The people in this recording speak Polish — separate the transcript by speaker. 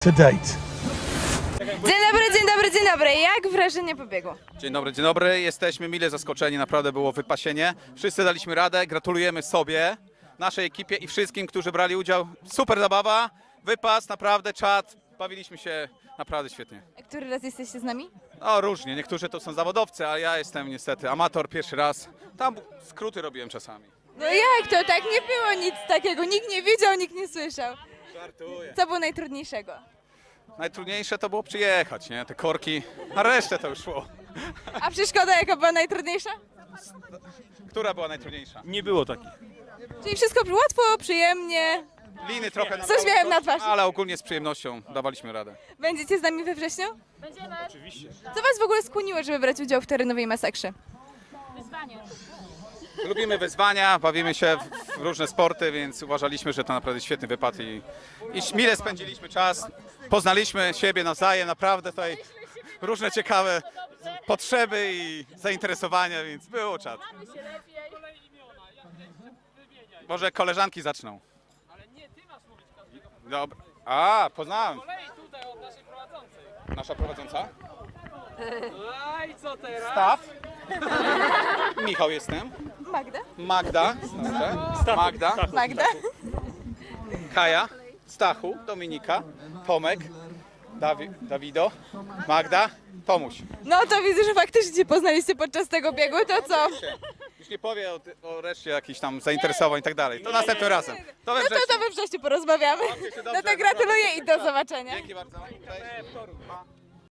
Speaker 1: to date.
Speaker 2: Dzień dobry, dzień dobry, dzień dobry. Jak wrażenie po biegu?
Speaker 3: Dzień dobry, dzień dobry. Jesteśmy mile zaskoczeni, naprawdę było wypasienie. Wszyscy daliśmy radę, gratulujemy sobie, naszej ekipie i wszystkim, którzy brali udział. Super zabawa, wypas, naprawdę czad, bawiliśmy się naprawdę świetnie.
Speaker 2: A który raz jesteście z nami?
Speaker 3: No różnie, niektórzy to są zawodowcy, a ja jestem niestety amator pierwszy raz. Tam skróty robiłem czasami.
Speaker 2: No jak to? Tak nie było nic takiego. Nikt nie widział, nikt nie słyszał.
Speaker 3: Żartuję.
Speaker 2: Co było najtrudniejszego?
Speaker 3: Najtrudniejsze to było przyjechać, nie? Te korki, a resztę to już szło.
Speaker 2: A przeszkoda jaka była najtrudniejsza?
Speaker 3: Która była najtrudniejsza?
Speaker 1: Nie było takich.
Speaker 2: Czyli wszystko łatwo, przyjemnie.
Speaker 3: Liny trochę
Speaker 2: Co uśmiechem na twarzy.
Speaker 3: ale ogólnie z przyjemnością dawaliśmy radę.
Speaker 2: Będziecie z nami we wrześniu?
Speaker 4: Będziemy.
Speaker 1: Oczywiście.
Speaker 2: Co was w ogóle skłoniło, żeby brać udział w terenowej masakrze?
Speaker 4: Wyzwanie.
Speaker 3: Lubimy wyzwania, bawimy się w różne sporty, więc uważaliśmy, że to naprawdę świetny wypad i mile spędziliśmy czas. Poznaliśmy siebie nawzajem, naprawdę tutaj różne ciekawe potrzeby i zainteresowania, więc było czad.
Speaker 4: Mamy się lepiej.
Speaker 3: Może koleżanki zaczną. Dobra. A, poznałem.
Speaker 5: Tutaj od naszej prowadzącej.
Speaker 3: Nasza prowadząca?
Speaker 5: A i co teraz?
Speaker 3: Staw. Michał jestem.
Speaker 2: Magda?
Speaker 3: Magda. Dobrze. Magda.
Speaker 2: Magda?
Speaker 3: Kaja. Stachu. Dominika. Tomek. Dawido. Magda. Tomuś.
Speaker 2: No to widzę, że faktycznie się poznaliście podczas tego biegu, to co?
Speaker 3: Już nie powie o reszcie jakichś tam zainteresowań i tak dalej. To następnym razem. To we
Speaker 2: No to
Speaker 3: wrześniu.
Speaker 2: we wrześniu porozmawiamy.
Speaker 3: Bawcie się
Speaker 2: No
Speaker 3: dobrze.
Speaker 2: to gratuluję i do zobaczenia.
Speaker 3: Dzięki bardzo. Cześć.